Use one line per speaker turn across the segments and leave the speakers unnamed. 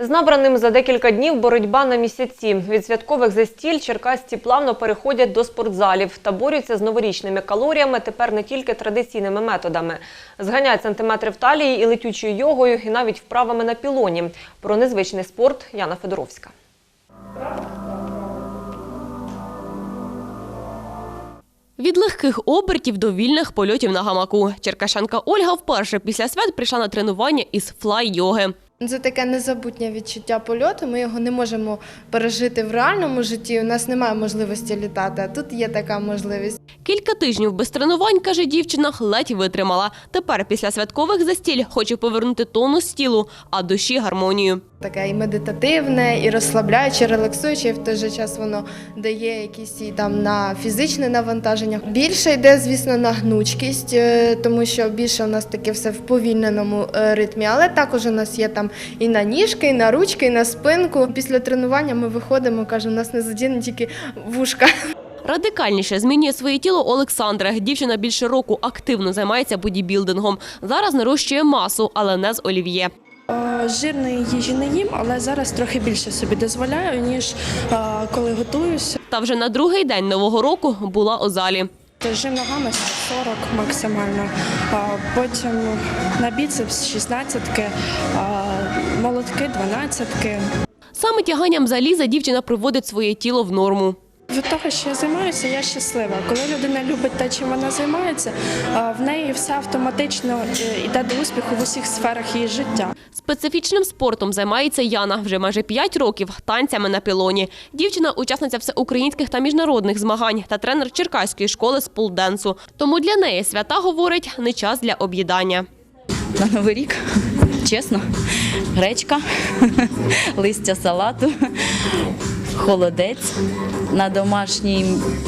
З набраним за декілька днів боротьба на місяці. Від святкових застіль черкасці плавно переходять до спортзалів та борються з новорічними калоріями тепер не тільки традиційними методами. Зганяють сантиметри в талії і летючою йогою, і навіть вправами на пілоні. Про незвичний спорт Яна Федоровська.
Від легких обертів до вільних польотів на гамаку. Черкащанка Ольга вперше після свят прийшла на тренування із флай-йоги.
Це таке незабутнє відчуття польоту, ми його не можемо пережити в реальному житті, у нас немає можливості літати, а тут є така можливість.
Кілька тижнів без тренувань, каже дівчина, ледь витримала. Тепер після святкових застіль хоче повернути тонус тілу, а душі гармонію.
Таке і медитативне, і розслабляюче, релаксуюче, і в той же час воно дає якісь і там на фізичне навантаження. Більше йде, звісно, на гнучкість, тому що більше у нас таке все в повільненому ритмі, але також у нас є там і на ніжки, і на ручки, і на спинку. Після тренування ми виходимо, кажемо, у нас не задіяні тільки вушка.
Радикальніше змінює своє тіло Олександра. Дівчина більше року активно займається бодібілдингом. Зараз нарощує масу, але не з олів'є.
Жирної їжі не їм, але зараз трохи більше собі дозволяю, ніж коли готуюся.
Та вже на другий день Нового року була у залі.
Жим ногами 40 максимально, потім на біцепс 16-ки, молотки 12-ки.
Саме тяганням заліза дівчина приводить своє тіло в норму.
Від того, що я займаюся, я щаслива. Коли людина любить те, чим вона займається, в неї все автоматично йде до успіху в усіх сферах її життя.
Специфічним спортом займається Яна вже майже 5 років – танцями на пілоні. Дівчина – учасниця всеукраїнських та міжнародних змагань та тренер Черкаської школи з полденсу. Тому для неї свята, говорить, не час для об'їдання.
На Новий рік, чесно, гречка, листя салату, холодець, на домашній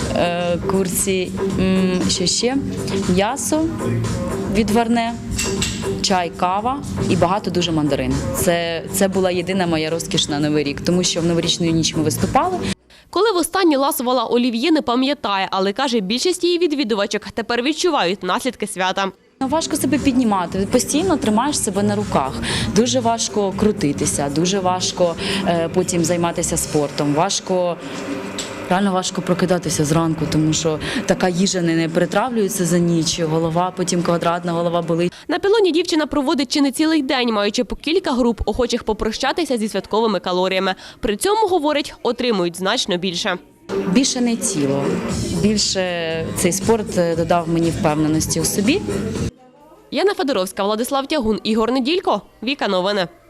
курсі ще м'ясо відварне, чай, кава і багато дуже мандарин. Це була єдина моя розкіш на Новий рік, тому що в новорічну ніч ми виступали.
Коли востаннє ласувала олів'є, не пам'ятає, але, каже, більшість її відвідувачок тепер відчувають наслідки свята.
Важко себе піднімати, постійно тримаєш себе на руках. Дуже важко крутитися, дуже важко потім займатися спортом. Реально важко прокидатися зранку, тому що така їжа не перетравлюється за ніч, голова потім квадратна, голова болить.
На пілоні дівчина проводить чи не цілий день, маючи по кілька груп охочих попрощатися зі святковими калоріями. При цьому, говорить, отримують значно більше.
Більше не тіло, більше цей спорт додав мені впевненості у собі.
Яна Федоровська, Владислав Тягун, Ігор Неділько, Віка Новини.